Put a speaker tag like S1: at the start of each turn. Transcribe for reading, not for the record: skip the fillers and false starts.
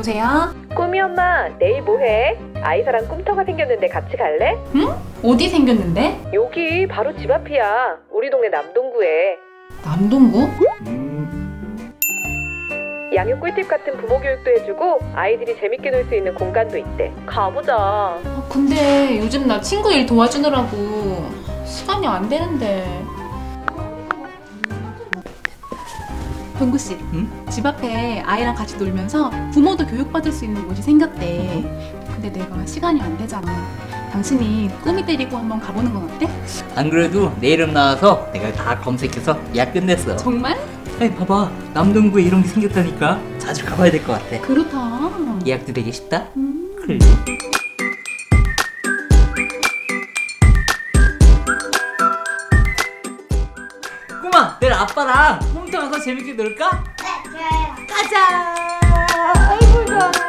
S1: 여보세요?
S2: 꾸미 엄마, 내일 뭐해? 아이사랑 꿈터가 생겼는데 같이 갈래?
S1: 응? 어디 생겼는데?
S2: 여기 바로 집 앞이야. 우리 동네 남동구에.
S1: 남동구?
S2: 양육 꿀팁 같은 부모 교육도 해주고 아이들이 재밌게 놀 수 있는 공간도 있대. 가보자.
S1: 근데 요즘 나 친구 일 도와주느라고 시간이 안 되는데. 병구씨,
S3: 응?
S1: 집 앞에 아이랑 같이 놀면서 부모도 교육받을 수 있는 곳이 생겼대. 근데 내가 시간이 안 되잖아. 당신이 꾸미 데리고 한번 가보는 건 어때?
S3: 안 그래도 내 이름 나와서 내가 다 검색해서 예약 끝냈어.
S1: 정말?
S3: 아이 봐봐, 남동구에 이런 게 생겼다니까. 자주 가봐야 될 것 같아.
S1: 그렇다.
S3: 예약도 되게 쉽다. 그래. 꼬마, 내일 아빠랑 홈트 가서 재밌게 놀까?
S4: 네, 좋아요.
S3: 가자. 아이고 좋아.